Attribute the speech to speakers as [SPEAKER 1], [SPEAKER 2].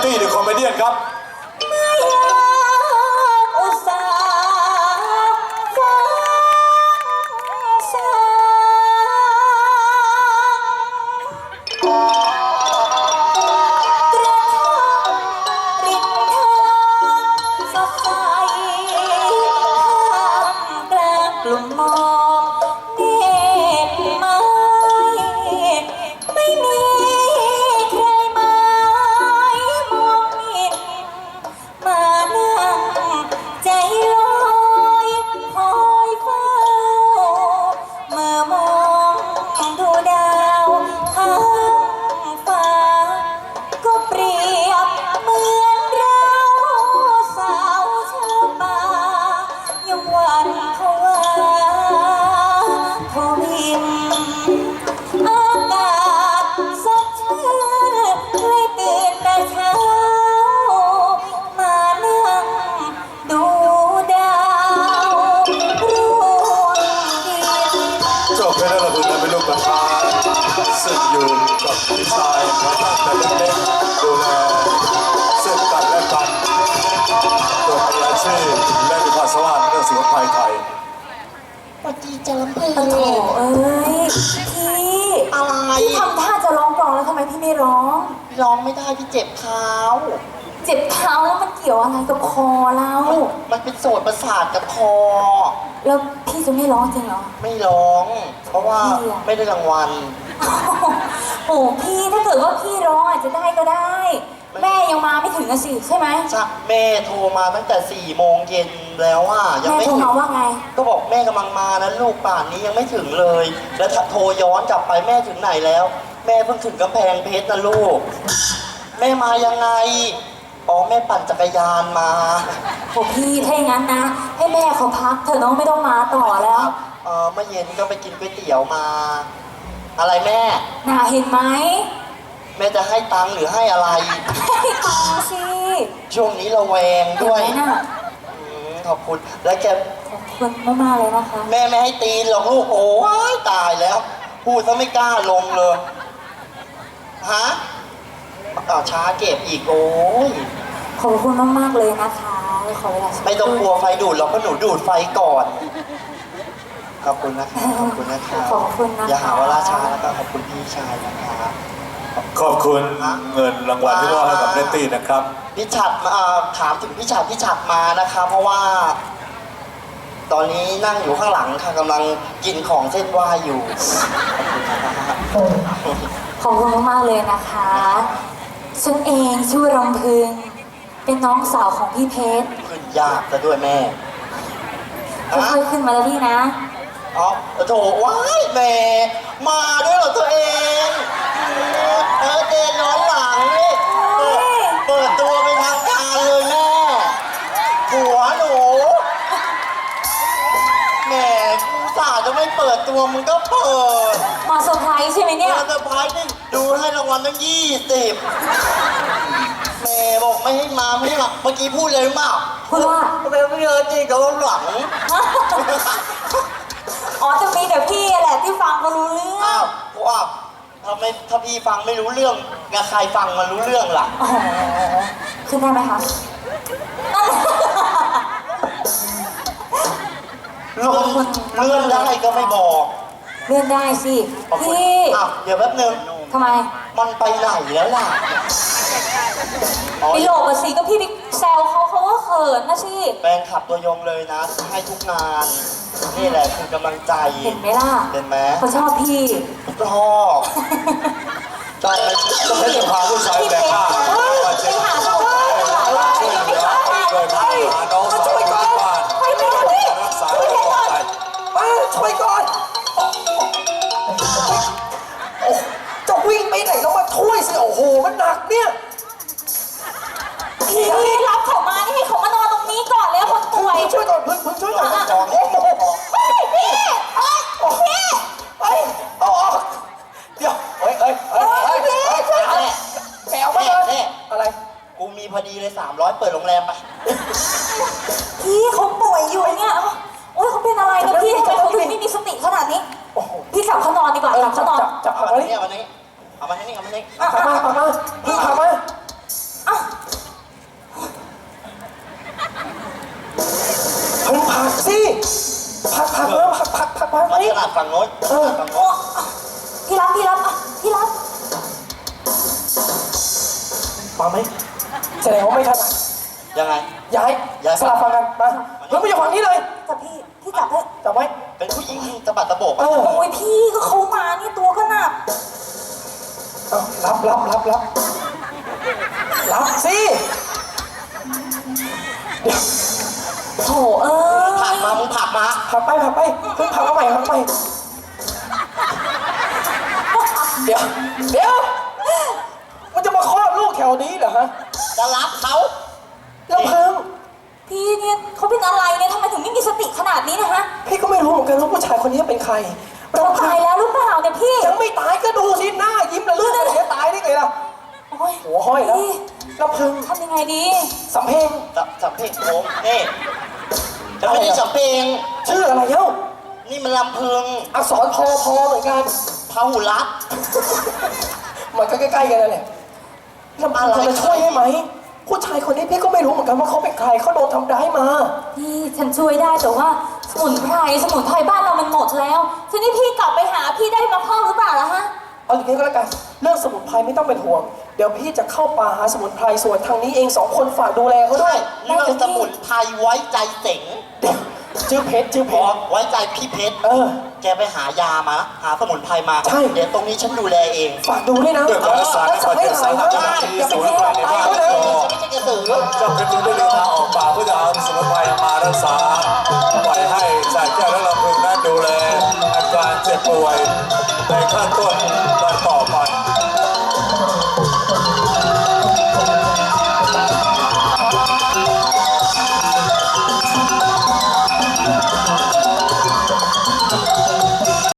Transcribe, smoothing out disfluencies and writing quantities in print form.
[SPEAKER 1] ตี้เดอะคอมเมเดี้ครับ
[SPEAKER 2] ไม่อยากอุตส่าห์ฟังสายกระทำริมทางสดใสท่ามกลางกลุ่มหมอกเมฆไม้ไม่มีใครหมายมองเห็นมานั่งใจลอยคอยเฝ้าเมื่อมองดูดาวข้างฟ้าก็เปรียบเหมือนเราสาวชาวป่ายังหวั่นผวาทวินอากาศสดชื่นเลยตื่นแต่เช้ามานั่งดูดาวร่วงดิน
[SPEAKER 1] จบไปแล้วเราคุณเป็นลูกประธานซึ่งอยู่กับพี่ชายมาตั้งแต่เล็กๆดูแลซึ่งกันและกันโดยมีอาชีพและมีความสามารถเรื่องสมุนไพรไทย
[SPEAKER 3] สวัสดีจ้าลำเพลิน
[SPEAKER 2] โอ้โหเอ้ยพี่
[SPEAKER 3] อะไร
[SPEAKER 2] พี่ทำท่าจะร้องกลองแล้วทำไมพี่ไม่ร้อง
[SPEAKER 3] ร้องไม่ได้พี่เจ็บเท้า
[SPEAKER 2] เจ็บเท้าแล้วมันเกี่ยวอะไรกับคอเรา
[SPEAKER 3] มันเป็นโสตประสาทกับคอ
[SPEAKER 2] แล้วพี่จะไม่ร้องจริงเหรอ
[SPEAKER 3] ไม่ร้อง เพราะว่า
[SPEAKER 2] พี่อะ
[SPEAKER 3] ไม่ได้รางวัล
[SPEAKER 2] โอ้พี่ถ้าเกิดว่าพี่ร้องอาจจะได้ก็ได้ แม่ยังมาไม่ถึงอะสิใช่ไหม
[SPEAKER 3] ชักแม่โทรมาตั้งแต่4 โมงเย็นแล้วว่ายัง
[SPEAKER 2] แม่
[SPEAKER 3] ไม่
[SPEAKER 2] โทร
[SPEAKER 3] ถึง
[SPEAKER 2] มาว่าไง
[SPEAKER 3] ก็บอกแม่กำลังมานะลูกป่านนี้ยังไม่ถึงเลย แล้วโทรย้อนกลับไปแม่ถึงไหนแล้ว แม่เพิ่งถึงกำแพงเพชรนะลูก แม่มายังไงอ๋อแม่ปั่นจักรยานมา
[SPEAKER 2] โอ้พี่ถ้าอย่างนั้นนะ ให้แม่เขาพักเถอะน้องไม่ต้องมาต่อแล้ว
[SPEAKER 3] เมื่อเย็นก็ไปกินก๋วยเตี๋ยวมา อะไรแม่
[SPEAKER 2] น่าเห็นไหม
[SPEAKER 3] แม่จะให้ตังค์หรือให้อะไร
[SPEAKER 2] ให้ตาสิ
[SPEAKER 3] ช่วงนี้ระแวง
[SPEAKER 2] เห็น
[SPEAKER 3] ด้วย
[SPEAKER 2] ไหมน่ะ
[SPEAKER 3] ขอบคุณ แล้วแก
[SPEAKER 2] ขอบคุณมากๆเลยนะคะ
[SPEAKER 3] แม่ไม่ให้ตีนหรอกลูกโอ้ยตายแล้ว พูดซะไม่กล้าลงเลย ฮะช้าเก็บอีกโอ้ย
[SPEAKER 2] ขอบคุณมากๆเลยนะคะขอเวลาสักครู่
[SPEAKER 3] ไม่ต้องกลัวไฟดูดหรอกเพราะหนูดูดไฟก่อน ขอบคุณนะคะขอบคุณนะคะ
[SPEAKER 2] ขอบคุณนะคะ
[SPEAKER 3] อย่าหาว่าล่าช้าแล้วก็ขอบคุณพี่ชายนะคะ
[SPEAKER 1] ขอบคุณเงินรางวัลที่มอบให้กับเนตตี้นะครับ
[SPEAKER 3] พี่ฉัดมาถามถึงพี่ฉัดมานะคะเพราะว่า ตอนนี้นั่งอยู่ข้างหลังค่ะกำลังกินของเส้นไหว้อยู่
[SPEAKER 2] ขอบคุณมากๆเลยนะคะฉันเองชื่อรำพึงเป็นน้องสาวของพี่เพชร
[SPEAKER 3] ขึ้นยากซะด้วยแม่
[SPEAKER 2] ค่อยๆขึ้นมาแล้วพี่นะ
[SPEAKER 3] อ๋อโถว้ายแม่มาด้วยเหรอตัวเองเดินย้อนหลังนี่เปิดตัวเป็นทางการเลยแม่หัวหนูแม่กูสาจะไม่เปิดตัวมึงก็เปิด
[SPEAKER 2] มาเซอร์ไพรส์ใช่ไหมเนี่ย
[SPEAKER 3] เซอร์ไพรส์นี่ดูให้รางวัลตั้ง20แม่บอกไม่ให้มาไม่ให้มาเมื่อกี้พูดเลยหรือเปล่า
[SPEAKER 2] พูดว่า
[SPEAKER 3] ไม่เยอะจริงเขาหลัง
[SPEAKER 2] อ๋อจะมีแต่พี่แหละที่ฟังก็รู้เรื่อง
[SPEAKER 3] อ้าวว่าถ้าพี่ฟังไม่รู้เรื่องกับใครฟังมันรู้เรื่องล่ะ
[SPEAKER 2] อ๋อขึ้นได้ไหมคะ
[SPEAKER 3] เลื่อนได้ก็ไม่บอก
[SPEAKER 2] เลื่อนได้สิ พี่
[SPEAKER 3] อ้าวเดี๋ยวแป๊บนึง
[SPEAKER 2] ทำไม
[SPEAKER 3] มันไปไหนแล้วล่ะ
[SPEAKER 2] ไปโหลกอะสิก็พี่ไปแซวเขาเขาก็เขินนะสิ
[SPEAKER 3] แฟนขับตัวยงเลยนะให้ทุกงาน นี่แหละคือกำลังใจ
[SPEAKER 2] เห็นไหมล่ะ
[SPEAKER 3] เห็นไหม
[SPEAKER 2] เขาชอบพี่
[SPEAKER 3] ชอบชอบ
[SPEAKER 1] ต้องให้จะพาผู้ชายแบกหน้ามาเช็ค
[SPEAKER 2] ไปหาเขาหลายวัน
[SPEAKER 1] ช่วยเหลือช่วยพาน้องสาวที่บ้าน
[SPEAKER 2] ไปเร็วดิ
[SPEAKER 1] รักษาให้ปลอดภัย
[SPEAKER 4] มาช่วยก่อนโอ้จะวิ่งไปไหนแล้วมาช่วยสิโอ้โหมันหนักเนี่ย
[SPEAKER 2] พี่รับเขามานี่ให้เขามานอนตรงนี้ก่อนเลยคนป่วย
[SPEAKER 4] ช่วยก่อนพึ่งช่วยก่อนโอ้โห
[SPEAKER 2] เฮ้ยพี่เฮ้ยพี่
[SPEAKER 4] เฮ้ยเอาออกเดี๋ยวเฮ้ยแมวมาเลยอะไร
[SPEAKER 3] กูมีพอดีเลย300เปิดโรงแรมไป
[SPEAKER 2] พี่เขาป่วยอยู่เนี่ยโอ้ยเขาเป็นอะไรนะพี่ทำไมเขาถึงไม่มีสติขนาดนี้
[SPEAKER 4] โอ้โห
[SPEAKER 2] พี่จับเขานอนดีกว่าจับเขานอน
[SPEAKER 4] จับ
[SPEAKER 3] เอา
[SPEAKER 4] เอา
[SPEAKER 3] มา
[SPEAKER 4] ไว้
[SPEAKER 3] ที่นี่เอามาที่นี่เอามาที่นี่
[SPEAKER 4] เอามาพึ่งพามา
[SPEAKER 2] อ่ะ
[SPEAKER 4] สิผักมาผักมา
[SPEAKER 3] มา
[SPEAKER 4] นี่
[SPEAKER 3] ตลาดฝั่งโน้น
[SPEAKER 4] เออ
[SPEAKER 3] ฝั่งโน้น
[SPEAKER 2] พี่รับอ่ะพี่รับ
[SPEAKER 4] มาไหมแสดงว่าไม่ถนัด
[SPEAKER 3] ยังไง
[SPEAKER 4] ย้ายสลับฟังกันมาเฮ้ยไม่อยู่ฝั่งนี้เลย
[SPEAKER 2] จับพี่จับเถอะ
[SPEAKER 4] จับไว้
[SPEAKER 3] เป็นผู้หญิงตะบัดตะโบก
[SPEAKER 4] เออ
[SPEAKER 2] โอ้ยพี่ก็เขามานี่ตัวก็หนัก
[SPEAKER 4] เอารับสิเดี๋ยว
[SPEAKER 2] โถเอ้ย
[SPEAKER 3] ผักมามึงผักมา
[SPEAKER 4] ผักไปเพิ่งผักมาใหม่เดี๋ยวมันจะมาคลอดลูกแถวนี้เหรอฮะ
[SPEAKER 3] จะรับเขา
[SPEAKER 4] ลำพึง
[SPEAKER 2] พี่เนี่ยเขาเป็นอะไรเนี่ยทำไมถึงไม่มีสติขนาดนี้นะฮะ
[SPEAKER 4] พี่ก็ไม่รู้เหมือนกันว่าผู้ชายคนนี้เป็นใคร
[SPEAKER 2] เขาตายแล้วหรือเปล่าเนี่ยพี่
[SPEAKER 4] ยังไม่ตายก็ดูสิหน้ายิ้มระลื่นเลยจะตายได้ไงล่ะ
[SPEAKER 2] โอ้ย
[SPEAKER 4] หัวห้อยแล้ว
[SPEAKER 2] พี่
[SPEAKER 4] ลำพึง
[SPEAKER 2] ทำยังไงดี
[SPEAKER 4] สำเพ็ง
[SPEAKER 3] สับเพลงโค้งนี่จะไม่ได้สับเพลง
[SPEAKER 4] ชื่ออะไรเอ้า
[SPEAKER 3] นี่มันลำพึง
[SPEAKER 4] อักษรพอเหมือนกัน
[SPEAKER 3] พาหุรัตน์
[SPEAKER 4] มันก็ใกล้ๆกันนั่นแหละลำพึงจะช่วยให้ไหมผู้ชายคนนี้พี่ก็ไม่รู้เหมือนกันว่าเขาเป็นใครเขาโดนทำร้ายมา
[SPEAKER 2] พี่ฉันช่วยได้แต่ว่าสมุนไพรบ้านเรามันหมดแล้วทีนี้พี่กลับไปหาพี่ได้มาเพิ่มหรือเปล่าล่ะฮะ
[SPEAKER 4] เอาอย่างนี้ก็แล้วกันเรื่องสมุนไพรไม่ต้องเป็นห่วงเดี๋ยวพี่จะเข้าป่าหาสมุนไพรส่วนทางนี้เอง2 คนฝากดูแลเขาด้
[SPEAKER 3] ใช่
[SPEAKER 4] วย
[SPEAKER 3] เรื่องสมุนไพรไว้ใจเสง
[SPEAKER 4] เดี๋ยวชื่อเพชร
[SPEAKER 3] ไว้ใจพี่เพชร
[SPEAKER 4] เออ
[SPEAKER 3] แกไปหายามา หาสมุนไพรมา
[SPEAKER 4] ใช่
[SPEAKER 3] เดี๋ยวตรงนี้ฉันดูแลเอง
[SPEAKER 4] ฝากดูด้วยนะ
[SPEAKER 1] ด้วยการรักษาในประเทศสาธารณะที่ศูนย์ภายในบ้าน
[SPEAKER 3] ไม่
[SPEAKER 1] ก็
[SPEAKER 3] ใช่กระสือ
[SPEAKER 1] เจ้าเพชรจึงได้เดินทางออกป่าเพื่อจะเอาสมุนไพรมารักษาปล่อยให้สายแก้วและลำพึงนั้นดูแลอาการเจ็บป่วยในขั้นต้นตอน